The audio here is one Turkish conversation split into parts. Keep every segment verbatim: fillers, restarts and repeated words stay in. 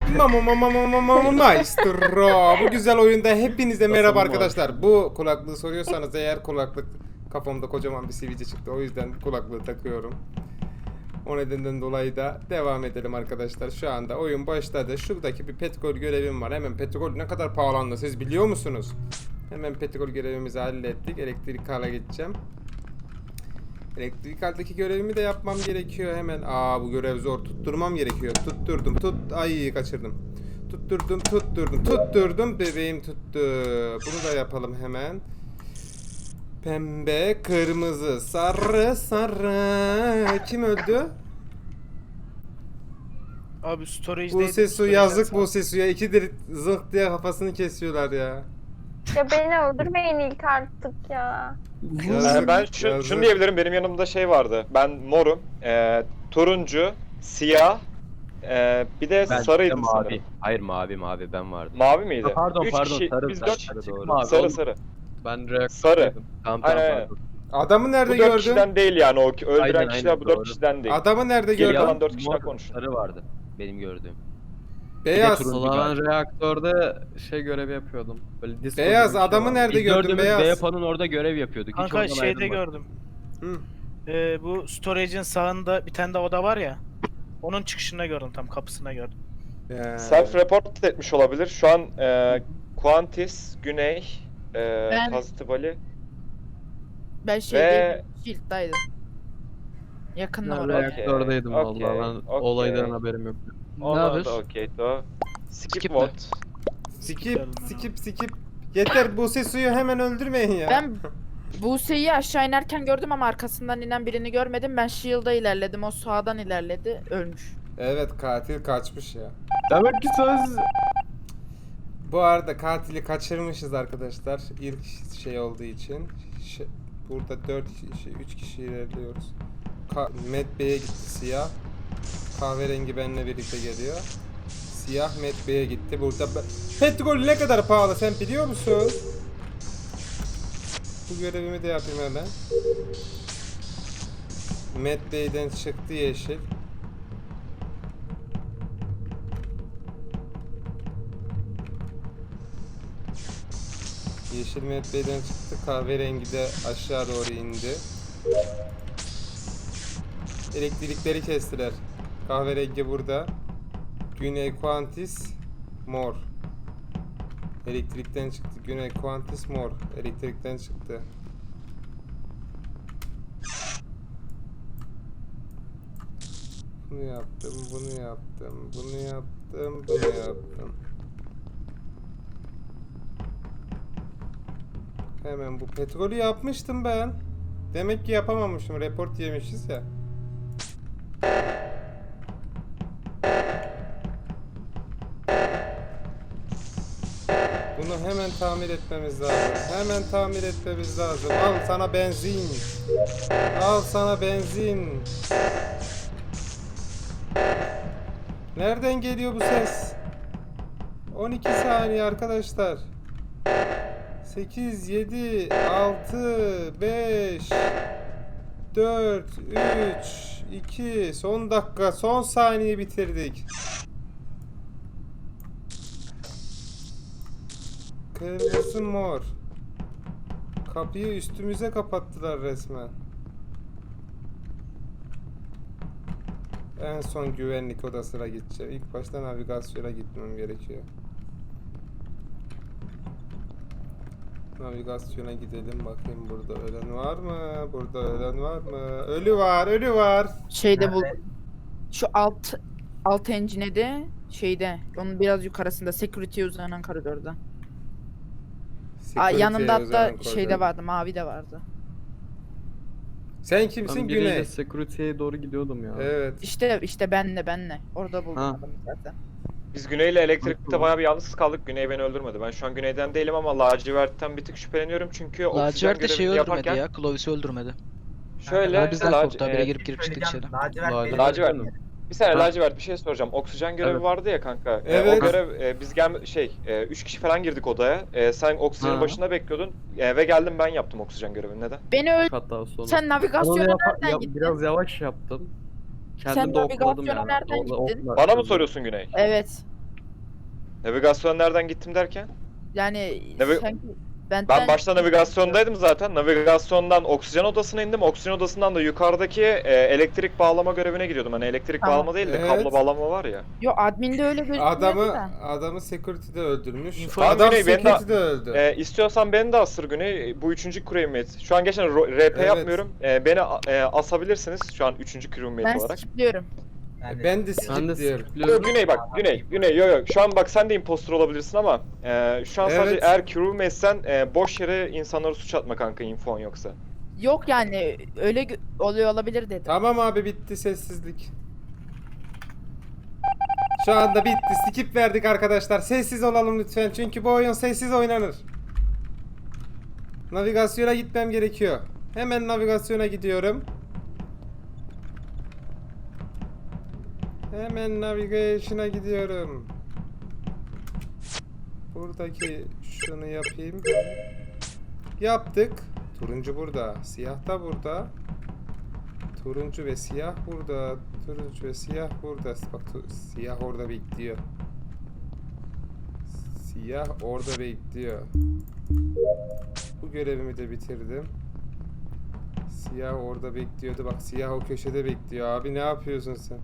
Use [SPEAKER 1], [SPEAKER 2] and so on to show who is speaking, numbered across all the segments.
[SPEAKER 1] Mama mama mama mama maestro. Bu güzel oyunda hepinize merhaba
[SPEAKER 2] Basalım
[SPEAKER 1] arkadaşlar. Bu kulaklığı soruyorsanız eğer kulaklık kafamda kocaman bir sivilce çıktı. O yüzden kulaklığı takıyorum. O nedenden dolayı da devam edelim arkadaşlar. Şu anda oyun başladı. Şuradaki bir petrol görevim var. Hemen petrol ne kadar pahalandı siz biliyor musunuz? Hemen petrol görevimizi hallettik. Elektrik hala geçeceğim. Elektrik haldeki görevimi de yapmam gerekiyor hemen. Aa bu görev zor. Tutturmam gerekiyor. Tutturdum. Tut. Ay kaçırdım. Tutturdum. Tutturdum. Tutturdum. Bebeğim tuttu. Bunu da yapalım hemen. Pembe, kırmızı, sarı, sarı. Kim öldü?
[SPEAKER 3] Abi storage'deydi.
[SPEAKER 1] Buse Su
[SPEAKER 3] storage'den
[SPEAKER 1] yazık
[SPEAKER 3] sağ-
[SPEAKER 1] Buse Su'ya. İkidir zıh diye kafasını kesiyorlar ya.
[SPEAKER 4] Ya beni öldürmeyin ilk artık ya.
[SPEAKER 1] Yazık,
[SPEAKER 5] Ee, ben şu,
[SPEAKER 1] yazık.
[SPEAKER 5] şunu diyebilirim, benim yanımda şey vardı. Ben morum, e, turuncu, siyah, e, bir de
[SPEAKER 2] Ben
[SPEAKER 5] sarıydı
[SPEAKER 2] de
[SPEAKER 5] sanırım.
[SPEAKER 2] mavi. Hayır mavi mavi ben vardım.
[SPEAKER 5] Mavi miydi?
[SPEAKER 2] Ha, pardon,
[SPEAKER 5] Üç
[SPEAKER 2] pardon,
[SPEAKER 5] kişi,
[SPEAKER 2] sarı,
[SPEAKER 5] biz
[SPEAKER 2] sarı,
[SPEAKER 5] dört
[SPEAKER 2] sarı,
[SPEAKER 5] kişi.
[SPEAKER 2] doğru.
[SPEAKER 5] Mavi, sarı
[SPEAKER 2] Oğlum,
[SPEAKER 5] sarı.
[SPEAKER 2] Ben reaktördeydim.
[SPEAKER 5] Sarı.
[SPEAKER 2] Tamam tamam
[SPEAKER 5] Aynen, aynen.
[SPEAKER 2] pardon.
[SPEAKER 1] Adamı nerede
[SPEAKER 5] Bu dört
[SPEAKER 1] gördün?
[SPEAKER 5] kişiden değil yani, o öldüren
[SPEAKER 2] Aynen,
[SPEAKER 5] kişiler
[SPEAKER 2] aynen,
[SPEAKER 5] bu dört
[SPEAKER 2] doğru.
[SPEAKER 5] kişiden değil.
[SPEAKER 1] Adamı nerede
[SPEAKER 5] Geri
[SPEAKER 1] gördün?
[SPEAKER 5] kalan dört kişiden
[SPEAKER 2] Mor,
[SPEAKER 5] konuşun.
[SPEAKER 2] sarı vardı benim gördüğüm.
[SPEAKER 1] Beyaz.
[SPEAKER 2] turuncu
[SPEAKER 6] Valla ben
[SPEAKER 2] galiba.
[SPEAKER 6] reaktörde şey görevi yapıyordum. Böyle disco
[SPEAKER 1] Beyaz,
[SPEAKER 6] gibi bir şey
[SPEAKER 1] adamı
[SPEAKER 6] vardı.
[SPEAKER 1] nerede
[SPEAKER 2] Biz
[SPEAKER 1] gördün
[SPEAKER 2] gördüğümüz
[SPEAKER 1] beyaz?
[SPEAKER 2] B yapının orada görev yapıyorduk. Hiç
[SPEAKER 3] Kanka
[SPEAKER 2] oradan
[SPEAKER 3] şeyde
[SPEAKER 2] ayrılmadık.
[SPEAKER 3] gördüm.
[SPEAKER 1] Hı.
[SPEAKER 3] Ee, bu storage'in sağında bir tane de oda var ya. Onun çıkışında gördüm, tam kapısına gördüm.
[SPEAKER 1] Ya.
[SPEAKER 5] Self report etmiş olabilir. Şu an e, Quantis, Güney, e,
[SPEAKER 7] Ben-
[SPEAKER 5] Positive Ali.
[SPEAKER 7] Ben
[SPEAKER 5] Ve-
[SPEAKER 7] şeydeydim, Shield'daydım. Yakın
[SPEAKER 6] Ben
[SPEAKER 7] oraya.
[SPEAKER 6] reaktördeydim
[SPEAKER 5] okey,
[SPEAKER 6] valla. Ben
[SPEAKER 5] okey.
[SPEAKER 6] olaydan haberim yok.
[SPEAKER 5] Ona da okey to. Skip
[SPEAKER 8] Skip
[SPEAKER 5] vote.
[SPEAKER 1] Skip, skip, skip. Yeter Buse Su'yu hemen öldürmeyin ya.
[SPEAKER 7] Ben Buse'yi aşağı inerken gördüm ama arkasından inen birini görmedim. Ben Shield'a ilerledim, o sağdan ilerledi, ölmüş.
[SPEAKER 1] Evet katil kaçmış ya.
[SPEAKER 6] Demek ki söz...
[SPEAKER 1] Bu arada katili kaçırmışız arkadaşlar. İlk şey olduğu için. Ş- burada dört kişi, üç kişi ilerliyoruz. Ka Met Bey'e gitti siyah. Kahverengi benimle birlikte geliyor. Siyah Met Bey'e gitti. Burada be- petrol ne kadar pahalı sen biliyor musun? Bu görevimi de yapayım hemen. Met Bey'den çıktı yeşil. Yeşil Met Bey'den çıktı. Kahverengi de aşağı doğru indi. Elektrikleri kestiler. Kahverengi burada. Güney Quantis mor. Elektrikten çıktı. Güney Quantis mor. Elektrikten çıktı. Bunu yaptım, bunu yaptım, bunu yaptım, bunu yaptım. Hemen bu petrolü yapmıştım ben. Demek ki yapamamışım. Report yemişiz ya. Bunu hemen tamir etmemiz lazım. Hemen tamir etmemiz lazım. Al sana benzin. Al sana benzin. Nereden geliyor bu ses? on iki saniye arkadaşlar. sekiz, yedi, altı, beş, dört, üç, iki, son dakika, son saniye bitirdik. Kırmızı mor. Kapıyı üstümüze kapattılar resmen. En son güvenlik odasına gideceğim. İlk başta navigasyona gitmem gerekiyor. Navigasyona gidelim bakayım burada ölen var mı? Burada ölen var mı? Ölü var, ölü var.
[SPEAKER 7] Şeyde bu şu alt alt engine'de şeyde, onun biraz yukarısında security uzanan koridorda. Aa,
[SPEAKER 1] Security'ye
[SPEAKER 7] yanında hatta
[SPEAKER 1] uzanan koridor.
[SPEAKER 7] şeyde vardı, mavi de vardı.
[SPEAKER 1] Sen kimsin
[SPEAKER 6] Ben biriyle
[SPEAKER 1] Güney?
[SPEAKER 6] security'ye doğru gidiyordum ya.
[SPEAKER 1] Evet.
[SPEAKER 7] İşte işte benle benle. Orada buldum
[SPEAKER 6] Ha.
[SPEAKER 7] adamı zaten.
[SPEAKER 5] Biz Güney'le elektrikte bayağı bir yalnız kaldık. Güney beni öldürmedi. Ben şu an Güney'den değilim ama lacivertten bir tık şüpheleniyorum çünkü oksijen
[SPEAKER 8] Lacivert de şeyi
[SPEAKER 5] görevini
[SPEAKER 8] öldürmedi
[SPEAKER 5] yaparken
[SPEAKER 8] ya. Clovis'i öldürmedi.
[SPEAKER 5] şöyle
[SPEAKER 8] Ama bizden
[SPEAKER 5] lac-
[SPEAKER 8] korktu. Habire
[SPEAKER 5] e,
[SPEAKER 8] girip girip çıktık içeri.
[SPEAKER 6] Lacivert.
[SPEAKER 5] Lacivert. Bir saniye
[SPEAKER 6] Ha.
[SPEAKER 5] lacivert bir şey soracağım. Oksijen görevi
[SPEAKER 6] Evet.
[SPEAKER 5] vardı ya kanka. E,
[SPEAKER 1] Evet.
[SPEAKER 5] o görev e, biz gel şey e, üç kişi falan girdik odaya. E, sen oksijenin
[SPEAKER 6] Ha.
[SPEAKER 5] başında bekliyordun e, ve geldim ben yaptım oksijen görevini. Neden?
[SPEAKER 7] Beni öl
[SPEAKER 6] Hatta sonra.
[SPEAKER 7] sen
[SPEAKER 6] Onu
[SPEAKER 7] navigasyona
[SPEAKER 6] yapa-
[SPEAKER 7] nereden
[SPEAKER 6] ya-
[SPEAKER 7] gittin?
[SPEAKER 6] biraz yavaş yaptım.
[SPEAKER 7] Sen
[SPEAKER 6] Kendim de okladım
[SPEAKER 7] navigasyona
[SPEAKER 6] yani.
[SPEAKER 7] nereden
[SPEAKER 6] Orada
[SPEAKER 7] gittin?
[SPEAKER 6] okla-
[SPEAKER 5] Bana mı soruyorsun Güney?
[SPEAKER 7] Evet.
[SPEAKER 5] Navigasyon nereden gittim derken?
[SPEAKER 7] Yani
[SPEAKER 5] Navi-
[SPEAKER 7] sanki
[SPEAKER 5] Ben
[SPEAKER 7] benden-
[SPEAKER 5] başta navigasyondaydım zaten. Navigasyondan oksijen odasına indim. Oksijen odasından da yukarıdaki e, elektrik bağlama görevine gidiyordum. Hani elektrik
[SPEAKER 7] Tamam.
[SPEAKER 5] bağlama değil de
[SPEAKER 1] Evet.
[SPEAKER 5] kablo bağlama var ya.
[SPEAKER 7] Yo adminde öyle gözüküyordu
[SPEAKER 1] Adamı
[SPEAKER 7] da.
[SPEAKER 1] adamı security'de öldürmüş.
[SPEAKER 3] Info-
[SPEAKER 1] Adam
[SPEAKER 5] Güney, beni de-
[SPEAKER 1] security'de öldü.
[SPEAKER 5] E, istiyorsan beni de asır Güney. Bu üçüncü crewmate. Şu an gerçekten ro- R P
[SPEAKER 1] Evet.
[SPEAKER 5] yapmıyorum. E, beni a- e, asabilirsiniz şu an üçüncü crewmate
[SPEAKER 7] Ben
[SPEAKER 5] olarak.
[SPEAKER 7] skipliyorum.
[SPEAKER 1] ben de
[SPEAKER 6] Ben de
[SPEAKER 1] skip diyorum.
[SPEAKER 5] Yo,
[SPEAKER 6] skipliyorum.
[SPEAKER 5] Güney bak, Güney, Güney, yo yo. Şu an bak sen de impostor olabilirsin ama e, şu an sadece
[SPEAKER 1] Evet.
[SPEAKER 5] eğer crewmate'sen e, boş yere insanlara suç atma kanka infon yoksa.
[SPEAKER 7] Yok yani öyle gö- oluyor olabilir dedim.
[SPEAKER 1] Tamam abi bitti sessizlik. Şu anda bitti. Skip verdik arkadaşlar. Sessiz olalım lütfen. Çünkü bu oyun sessiz oynanır. Navigasyona gitmem gerekiyor. Hemen navigasyona gidiyorum. Hemen navigation'a gidiyorum. Buradaki şunu yapayım. Yaptık. Turuncu burada. Siyah da burada. Turuncu ve siyah burada. Turuncu ve siyah burada. Bak tu- siyah orada bekliyor. Siyah orada bekliyor. Bu görevimi de bitirdim. Siyah orada bekliyordu. Bak siyah o köşede bekliyor. Abi ne yapıyorsun sen?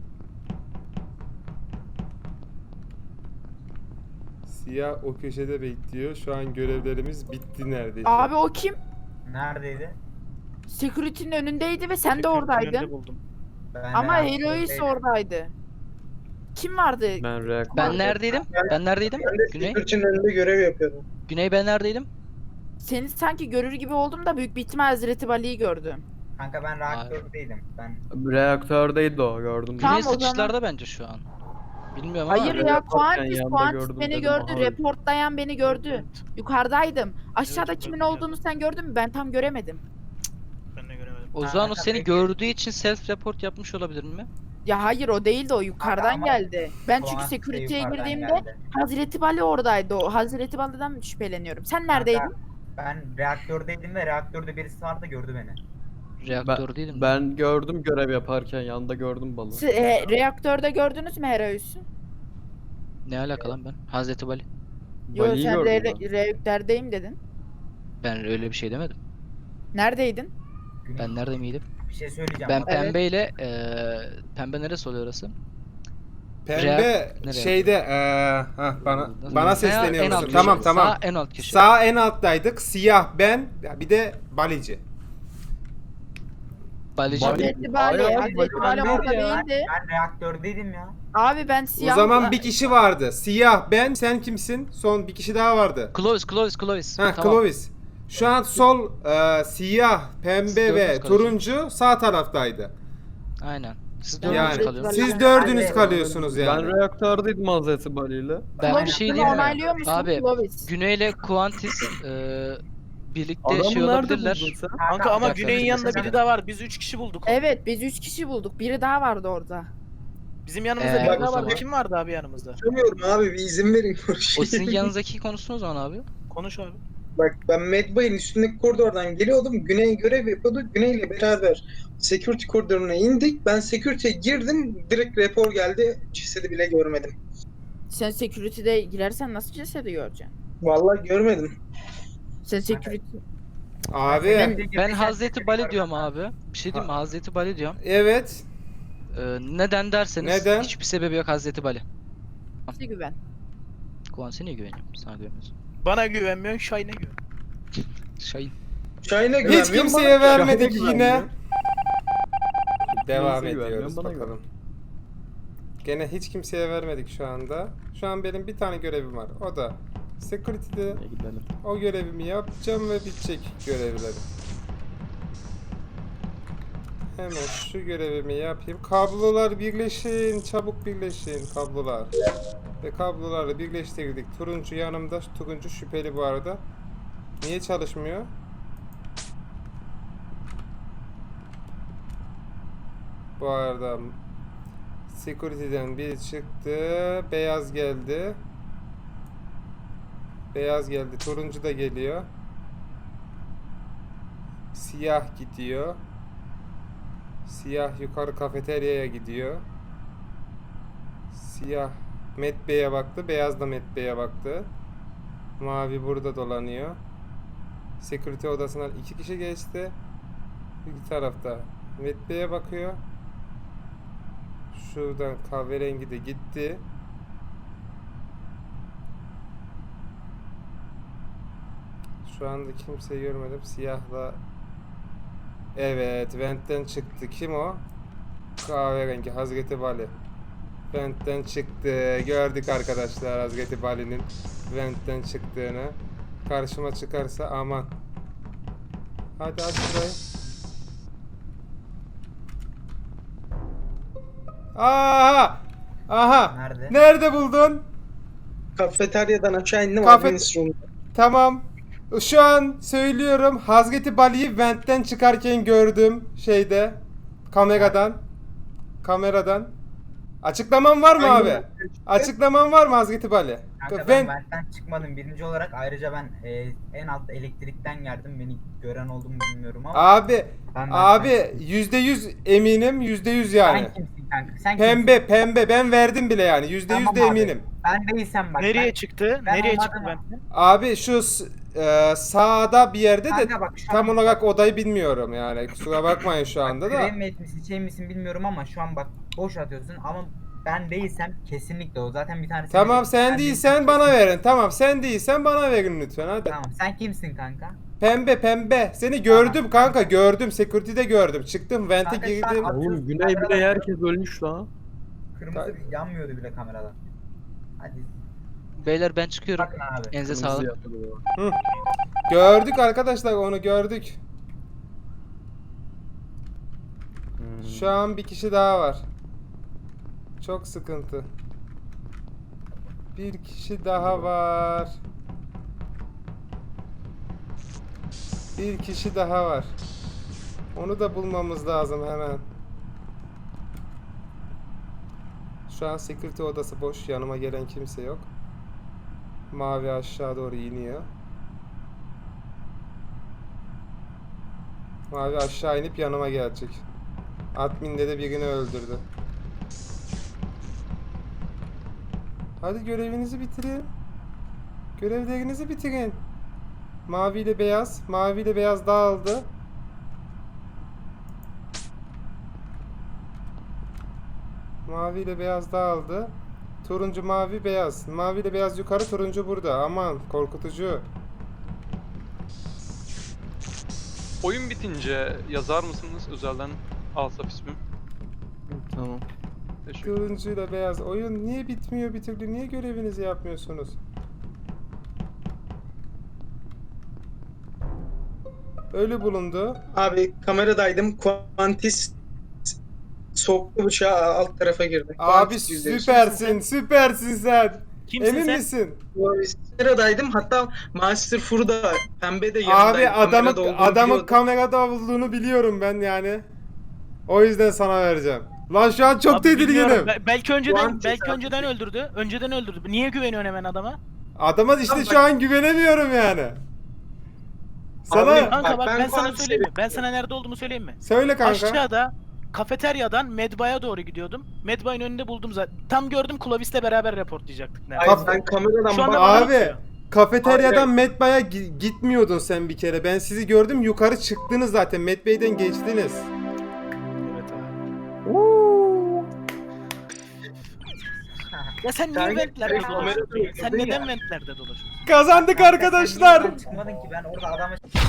[SPEAKER 1] Siyah o köşede bekliyor. Şu an görevlerimiz bitti neredeyse.
[SPEAKER 7] Abi o kim?
[SPEAKER 8] Neredeydi?
[SPEAKER 7] Security'nin önündeydi ve sen de
[SPEAKER 3] Security'nin
[SPEAKER 7] oradaydın.
[SPEAKER 3] önünde buldum.
[SPEAKER 8] Ben
[SPEAKER 7] Ama
[SPEAKER 8] de-
[SPEAKER 7] Herois oradaydı. Kim vardı?
[SPEAKER 6] Ben reaktör.
[SPEAKER 9] Ben neredeydim? Ben neredeydim?
[SPEAKER 10] Ben de
[SPEAKER 9] Güney.
[SPEAKER 10] Security'nin önünde görev yapıyordum.
[SPEAKER 9] Güney ben neredeydim?
[SPEAKER 7] Seni sanki görür gibi oldum da büyük bir ihtimal Hazreti Bali'yi gördüm.
[SPEAKER 8] Kanka ben reaktördeydim. Ben
[SPEAKER 6] Reaktördeydi o gördüm.
[SPEAKER 7] Tamam,
[SPEAKER 9] Güney
[SPEAKER 7] o zaman-
[SPEAKER 9] sıçışlarda bence şu an. Bilmiyorum ama.
[SPEAKER 7] Hayır ya
[SPEAKER 6] Reportken
[SPEAKER 7] Kuantis,
[SPEAKER 6] yanında
[SPEAKER 7] Kuantis
[SPEAKER 6] gördüm
[SPEAKER 7] beni
[SPEAKER 6] dedim,
[SPEAKER 7] gördü.
[SPEAKER 6] aha.
[SPEAKER 7] Reportlayan beni gördü.
[SPEAKER 3] Evet,
[SPEAKER 7] Yukarıdaydım. Aşağıda
[SPEAKER 3] Evet,
[SPEAKER 7] kimin
[SPEAKER 3] ben de
[SPEAKER 7] olduğunu sen gördün mü? Ben tam göremedim.
[SPEAKER 3] ben de göremedim.
[SPEAKER 9] O
[SPEAKER 8] Ha,
[SPEAKER 9] zaman o
[SPEAKER 8] kanka
[SPEAKER 9] seni
[SPEAKER 8] peki.
[SPEAKER 9] gördüğü için self report yapmış olabilir mi?
[SPEAKER 7] Ya hayır o değildi o yukarıdan
[SPEAKER 8] ama
[SPEAKER 7] geldi. Ben çünkü
[SPEAKER 8] Kuantis de
[SPEAKER 7] security'ye
[SPEAKER 8] yukarıdan
[SPEAKER 7] girdiğimde
[SPEAKER 8] geldi.
[SPEAKER 7] Hazreti Bali oradaydı o. Hazreti Bali'den şüpheleniyorum. Sen neredeydin?
[SPEAKER 8] Kanka, ben reaktördeydim ve reaktörde birisi vardı gördü beni.
[SPEAKER 9] Reaktör değilim.
[SPEAKER 6] Ben gördüm görev yaparken yanında gördüm balığı.
[SPEAKER 7] Siz, e, reaktörde gördünüz mü Herois'u?
[SPEAKER 9] Ne alaka lan ben? Hazreti Bali.
[SPEAKER 7] Yok
[SPEAKER 6] Bali'yi
[SPEAKER 7] sen
[SPEAKER 6] gördüm
[SPEAKER 7] re-
[SPEAKER 6] ben.
[SPEAKER 7] reaktördeyim dedin.
[SPEAKER 9] Ben öyle bir şey demedim.
[SPEAKER 7] Neredeydin?
[SPEAKER 8] Güney,
[SPEAKER 9] Ben nerede miydim?
[SPEAKER 8] bir şey söyleyeceğim.
[SPEAKER 9] Ben
[SPEAKER 8] bak.
[SPEAKER 7] Evet.
[SPEAKER 9] pembeyle eee pembe neresi oluyor orası?
[SPEAKER 1] Pembe
[SPEAKER 9] Reak- nereye?
[SPEAKER 1] şeyde eee hah, bana bana
[SPEAKER 9] En
[SPEAKER 1] sesleniyor
[SPEAKER 9] alt
[SPEAKER 1] musun?
[SPEAKER 9] köşe.
[SPEAKER 1] Tamam tamam.
[SPEAKER 9] Sağ en alt köşe.
[SPEAKER 1] Sağ en alttaydık. Siyah ben bir de Balici.
[SPEAKER 9] Balici.
[SPEAKER 7] Hazreti Bali.
[SPEAKER 6] Hayır,
[SPEAKER 7] Hazreti
[SPEAKER 6] Bali
[SPEAKER 7] Bali
[SPEAKER 6] değil
[SPEAKER 7] orada
[SPEAKER 6] ya.
[SPEAKER 7] değildi.
[SPEAKER 8] Ben reaktördeydim ya.
[SPEAKER 7] Abi ben
[SPEAKER 1] O
[SPEAKER 7] siyah...
[SPEAKER 1] zaman bir kişi vardı. Siyah ben, sen kimsin? Son bir kişi daha vardı.
[SPEAKER 9] Clovis, Clovis, Clovis.
[SPEAKER 1] Ha,
[SPEAKER 9] Tamam.
[SPEAKER 1] Clovis. Şu an sol eee, siyah, pembe
[SPEAKER 9] Dördünüz
[SPEAKER 1] ve
[SPEAKER 9] kalıyorsunuz.
[SPEAKER 1] turuncu sağ taraftaydı.
[SPEAKER 9] Aynen. Siz
[SPEAKER 7] Yani-
[SPEAKER 9] dördünüz
[SPEAKER 1] Yani
[SPEAKER 9] kalıyorsunuz.
[SPEAKER 1] siz
[SPEAKER 7] Ben-
[SPEAKER 1] dördünüz
[SPEAKER 8] Ben-
[SPEAKER 1] kalıyorsunuz yani.
[SPEAKER 6] Ben reaktördeydim Hazreti Bali'yle.
[SPEAKER 9] Ben bir
[SPEAKER 7] Clovis'u
[SPEAKER 9] şey diyeyim mi?
[SPEAKER 7] onaylıyor musun
[SPEAKER 9] Abi,
[SPEAKER 7] Clovis?
[SPEAKER 9] Güney'le Kuantis eee birlikte
[SPEAKER 6] Adamı
[SPEAKER 9] şey
[SPEAKER 6] nerede
[SPEAKER 9] olabilirler.
[SPEAKER 6] buldun sen?
[SPEAKER 3] Kanka ama
[SPEAKER 9] dakika,
[SPEAKER 3] Güney'in
[SPEAKER 9] bir
[SPEAKER 3] yanında
[SPEAKER 9] dakika.
[SPEAKER 3] biri daha var. Biz üç kişi bulduk.
[SPEAKER 7] Evet biz üç kişi bulduk. Biri daha vardı orada.
[SPEAKER 3] Bizim yanımızda
[SPEAKER 9] Ee,
[SPEAKER 3] biri
[SPEAKER 9] o
[SPEAKER 3] daha vardı.
[SPEAKER 9] zaman-
[SPEAKER 3] Kim vardı abi yanımızda?
[SPEAKER 10] Bilmiyorum abi bir izin verin
[SPEAKER 9] O
[SPEAKER 10] konuşayım.
[SPEAKER 9] sizin yanınızdaki konuşsun o zaman abi.
[SPEAKER 3] Konuş abi.
[SPEAKER 10] Bak ben Medbay'ın üstündeki koridordan geliyordum. Güney görev yapıyordu. Güney'le beraber security koridoruna indik. Ben security'ye girdim. Direkt rapor geldi. Cesedi bile görmedim.
[SPEAKER 7] Sen security'de girersen nasıl cesedi göreceksin?
[SPEAKER 10] Vallahi görmedim.
[SPEAKER 7] Sen security...
[SPEAKER 1] Abi
[SPEAKER 9] Ben Hazreti Bali diyorum abi. Bir şey diyeyim mi? Hazreti Bali diyorum.
[SPEAKER 1] evet.
[SPEAKER 9] Ee, neden derseniz
[SPEAKER 1] Neden?
[SPEAKER 9] hiçbir sebebi yok Hazreti Bali.
[SPEAKER 7] Nasıl güven?
[SPEAKER 9] Kuantis'e niye güveniyorum? Sana güvenmiyorsun.
[SPEAKER 3] Bana güvenmiyorsun, Şahin'e güven.
[SPEAKER 9] Şahin.
[SPEAKER 10] Şahin'e
[SPEAKER 1] Hiç
[SPEAKER 10] güvenmiyorum.
[SPEAKER 1] kimseye
[SPEAKER 10] bana-
[SPEAKER 1] vermedik
[SPEAKER 6] Şahin'e
[SPEAKER 1] yine.
[SPEAKER 6] güvenmiyorum.
[SPEAKER 1] Devam
[SPEAKER 6] Kimseye
[SPEAKER 1] ediyoruz
[SPEAKER 6] güvenmiyorum, bana
[SPEAKER 1] bakalım. Gene hiç kimseye vermedik şu anda. Şu an benim bir tane görevim var. O da security'de
[SPEAKER 6] E, gidelim.
[SPEAKER 1] o görevimi yapacağım ve bitecek görevlerim. Hemen şu görevimi yapayım. Kablolar birleşin. Çabuk birleşin kablolar. Ve kabloları birleştirdik. Turuncu yanımda. Turuncu şüpheli bu arada. Niye çalışmıyor? Bu arada security'den biri çıktı. Beyaz geldi. Beyaz geldi. Turuncu da geliyor. Siyah gidiyor. Siyah yukarı kafeteryaya gidiyor. Siyah Medbay'e baktı. Beyaz da Medbay'e baktı. Mavi burada dolanıyor. Security odasından iki kişi geçti. Bir tarafta Medbay'e bakıyor. Şuradan kahverengi de gitti. Şu anda kimseyi görmedim. Siyahla. Evet, Vent'ten çıktı. Kim o? Kahverengi Hazreti Bali. Vent'ten çıktı. Gördük arkadaşlar Hazreti Bali'nin Vent'ten çıktığını. Karşıma çıkarsa aman. Hadi aç şurayı. Aha! Aha!
[SPEAKER 8] Nerede?
[SPEAKER 1] Nerede buldun?
[SPEAKER 10] Kafeteryadan aşağı indim.
[SPEAKER 1] Kafe-
[SPEAKER 10] Admin room'da.
[SPEAKER 1] Tamam. Şu an söylüyorum. Hazreti Bali'yi Vent'ten çıkarken gördüm şeyde. Kameradan. Kameradan. Açıklaman var mı
[SPEAKER 10] Hangi
[SPEAKER 1] abi? Açıklaman var mı Hazreti Bali?
[SPEAKER 8] Kanka
[SPEAKER 1] Ben-
[SPEAKER 8] ben Vent'ten çıkmadım birinci olarak. Ayrıca ben e, en alt elektrikten geldim. Beni gören oldu mu bilmiyorum ama.
[SPEAKER 1] Abi,
[SPEAKER 8] ben Vent'ten
[SPEAKER 1] abi
[SPEAKER 8] çıktım.
[SPEAKER 1] yüzde yüz eminim. Yüzde yüz yani.
[SPEAKER 8] Sen kimsin kanka? Sen
[SPEAKER 1] Pembe,
[SPEAKER 8] kimsin?
[SPEAKER 1] pembe. Ben verdim bile yani. Yüzde yüz
[SPEAKER 8] Tamam
[SPEAKER 1] de
[SPEAKER 8] abi.
[SPEAKER 1] eminim.
[SPEAKER 8] Ben değilsem bak.
[SPEAKER 3] Nereye
[SPEAKER 8] ben,
[SPEAKER 3] çıktı?
[SPEAKER 8] ben
[SPEAKER 3] Nereye
[SPEAKER 8] olmadım
[SPEAKER 3] çıktı
[SPEAKER 8] ama.
[SPEAKER 3] ben?
[SPEAKER 1] Abi şu s- e, sağda bir yerde de
[SPEAKER 8] Kanka bak şu
[SPEAKER 1] tam
[SPEAKER 8] an
[SPEAKER 1] olarak odayı bilmiyorum yani. Kusura bakmayın şu anda da.
[SPEAKER 8] Kremiyet misin şey misin bilmiyorum ama şu an bak boş atıyorsun ama ben değilsem kesinlikle o. Zaten bir tanesi.
[SPEAKER 1] Tamam sen
[SPEAKER 8] Ben
[SPEAKER 1] değilsen
[SPEAKER 8] değilsem
[SPEAKER 1] bana
[SPEAKER 8] kesinlikle-
[SPEAKER 1] verin. Tamam sen değilsen bana verin lütfen hadi.
[SPEAKER 8] Tamam sen kimsin kanka?
[SPEAKER 1] Pembe pembe. Seni gördüm kanka gördüm. Security'de gördüm. Çıktım vente
[SPEAKER 8] Kanka, sen
[SPEAKER 1] girdim.
[SPEAKER 8] at-
[SPEAKER 6] Oğlum Güney bile herkes ölmüş lan.
[SPEAKER 8] Kırmızı yanmıyordu bile kamerada. Hadi
[SPEAKER 9] Beyler ben çıkıyorum.
[SPEAKER 8] bakın abi.
[SPEAKER 9] Elinize
[SPEAKER 6] Kırmızı
[SPEAKER 9] sağlık.
[SPEAKER 6] yapıyordu.
[SPEAKER 1] Gördük arkadaşlar onu gördük. Şu an bir kişi daha var. Çok sıkıntı. Bir kişi daha var. Bir kişi daha var. Onu da bulmamız lazım hemen. Şu an security odası boş. Yanıma gelen kimse yok. Mavi aşağı doğru iniyor. Mavi aşağı inip yanıma gelecek. Admin'de de birini öldürdü. Hadi görevinizi bitirin. Görevlerinizi bitirin. Mavi ile beyaz. Mavi ile beyaz dağıldı. Mavi ile beyaz dağıldı. Turuncu, mavi, beyaz. Mavi ile beyaz yukarı, turuncu burada. Aman korkutucu.
[SPEAKER 11] Oyun bitince yazar mısınız özelden Asaf ismim?
[SPEAKER 6] Tamam.
[SPEAKER 11] Teşekkür.
[SPEAKER 1] Turuncu ile beyaz. Oyun niye bitmiyor bir türlü? Niye görevinizi yapmıyorsunuz? Ölü bulundu.
[SPEAKER 10] Abi kameradaydım. Quantis soktu bıçağı alt tarafa girdi.
[SPEAKER 1] Abi
[SPEAKER 10] Quantis yüzde yüz.
[SPEAKER 1] süpersin, süpersin sen.
[SPEAKER 3] Kimsin
[SPEAKER 1] Emin
[SPEAKER 3] sen?
[SPEAKER 1] misin?
[SPEAKER 10] Kameradaydım. Hatta Master Fur'da pembe de
[SPEAKER 1] Abi
[SPEAKER 10] yanındaydı.
[SPEAKER 1] adamı
[SPEAKER 10] Kamerada olduğunu
[SPEAKER 1] adamın
[SPEAKER 10] biliyordum.
[SPEAKER 1] kamerada olduğunu biliyorum ben yani. O yüzden sana vereceğim. Lan şu an çok
[SPEAKER 3] Abi bilmiyorum.
[SPEAKER 1] tedirginim.
[SPEAKER 3] Be- belki önceden
[SPEAKER 10] Quantis
[SPEAKER 3] belki
[SPEAKER 10] abi.
[SPEAKER 3] önceden öldürdü. Önceden öldürdü. Niye güveniyorsun hemen adama?
[SPEAKER 1] Adama işte şu an güvenemiyorum yani. Sana
[SPEAKER 10] Abi,
[SPEAKER 3] Kanka
[SPEAKER 10] Bak,
[SPEAKER 3] bak
[SPEAKER 10] ben
[SPEAKER 3] ben, sana
[SPEAKER 10] Quantis'i-
[SPEAKER 3] söyleyeyim mi? Ben sana nerede olduğumu söyleyeyim mi?
[SPEAKER 1] söyle kanka.
[SPEAKER 3] Aşağıda kafeteryadan Medbay'a doğru gidiyordum. Medbay'ın önünde buldum zaten. Tam gördüm Clovis'le beraber raportlayacaktık neredeyse.
[SPEAKER 10] Hayır, ben kameradan
[SPEAKER 3] Şu anda
[SPEAKER 10] bak-
[SPEAKER 3] bana
[SPEAKER 1] Abi
[SPEAKER 3] bakıyor.
[SPEAKER 1] kafeteryadan
[SPEAKER 10] Abi-
[SPEAKER 1] Medbay'a gi- gitmiyordun sen bir kere. Ben sizi gördüm yukarı çıktınız zaten. Medbay'den geçtiniz.
[SPEAKER 3] Evet abi. Ya sen niye
[SPEAKER 10] Sen-
[SPEAKER 3] ventlerde
[SPEAKER 10] sen
[SPEAKER 3] dolaşıyorsun?
[SPEAKER 10] kamerada
[SPEAKER 3] Sen
[SPEAKER 10] gördün
[SPEAKER 3] neden
[SPEAKER 10] ya.
[SPEAKER 3] ventlerde dolaşıyorsun?
[SPEAKER 1] Kazandık
[SPEAKER 8] Kanka, sen
[SPEAKER 1] arkadaşlar.
[SPEAKER 8] niye oradan çıkmadın ki ben orada adamı